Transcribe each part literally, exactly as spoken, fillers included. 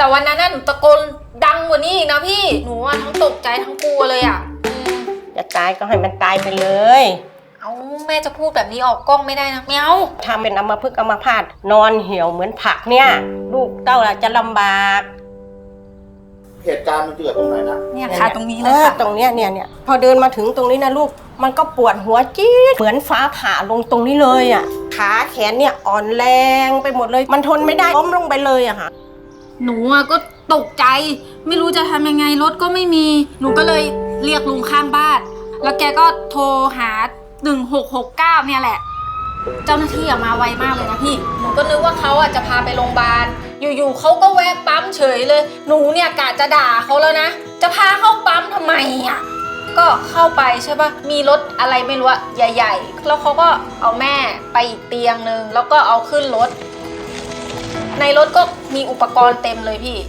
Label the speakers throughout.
Speaker 1: แต่วันนั้นน่ะหนูตะโกนดังกว่านี้อีกนะพี่หนูอะทั้งตกใจทั้งกลัวเลยอ่ะ
Speaker 2: จะตายก็ให้มันตายไปเลย
Speaker 1: เอาแม่จะพูดแบบนี้ออกกล้องไม่ได้นะไม่เอา
Speaker 2: ทำเป็นอัมพฤกษ์อัมพาตนอนเหี่ยวเหมือนผักเนี่ยลูกเต้าจะลำบาก
Speaker 3: เหตุการณ์มันเกิดตรงไหนนะ
Speaker 1: เนี่ยค่ะตรงนี้เลยค่ะ
Speaker 2: ตรงเนี้ยเนี่ยเนี่ยพอเดินมาถึงตรงนี้นะลูกมันก็ปวดหัวจี๊ดเหมือนฟ้าผ่าลงตรงนี้เลยอ่ะขาแขนเนี่ยอ่อนแรงไปหมดเลยมันทนไม่ได้ล้มลงไปเลยอะค่ะ
Speaker 1: หนูอะก็ตกใจไม่รู้จะทำยังไงรถก็ไม่มีหนูก็เลยเรียกลุงข้างบ้านแล้วแกก็โทรหาหนึ่งหกหกเก้าเนี่ยแหละเจ้าหน้าที่อะมาไวมากเลยนะพี่หนูก็นึกว่าเขาอะจะพาไปโรงพยาบาลอยู่ๆเขาก็แวะปั๊มเฉยเลยหนูเนี่ยกะจะด่าเขาแล้วนะจะพาเข้าปั๊มทำไมอะก็เข้าไปใช่ปะมีรถอะไรไม่รู้อะใหญ่ๆแล้วเขาก็เอาแม่ไปอีกเตียงนึงแล้วก็เอาขึ้นรถในรถก็มีอุปกรณ์เต็มเลยพี่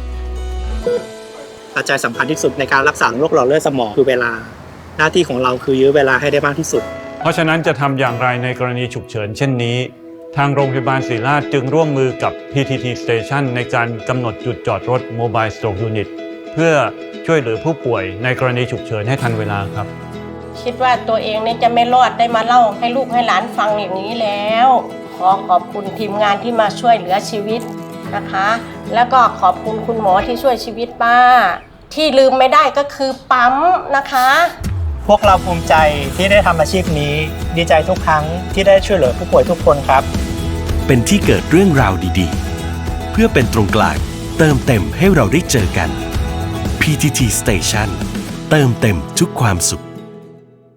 Speaker 4: ปัจจัยสำคัญที่สุดในการรักษาโรคหลอดเลือดสมองคือเวลาหน้าที่ของเราคือยื้อเวลาให้ได้มากที่สุด
Speaker 5: เพราะฉะนั้นจะทำอย่างไรในกรณีฉุกเฉินเช่นนี้ทางโรงพยาบาลศิริราชจึงร่วมมือกับ พี ที ที Station ในการกำหนดจุดจอดรถ Mobile Stroke Unit เพื่อช่วยเหลือผู้ป่วยในกรณีฉุกเฉินให้ทันเวลาครับ
Speaker 2: คิดว่าตัวเองเนี่ยจะไม่รอดได้มาเล่าให้ลูกให้หลานฟังอย่างนี้แล้วขอขอบคุณทีมงานที่มาช่วยเหลือชีวิตนะคะแล้วก็ขอบคุณคุณหมอที่ช่วยชีวิตป้าที่ลืมไม่ได้ก็คือปั๊มนะคะ
Speaker 4: พวกเราภูมิใจที่ได้ทำอาชีพนี้ดีใจทุกครั้งที่ได้ช่วยเหลือผู้ป่วยทุกคนครับ
Speaker 6: เป็นที่เกิดเรื่องราวดีๆเพื่อเป็นตรงกลางเติมเต็มให้เราได้เจอกัน พี ที ที Station เติมเต็มทุกความสุข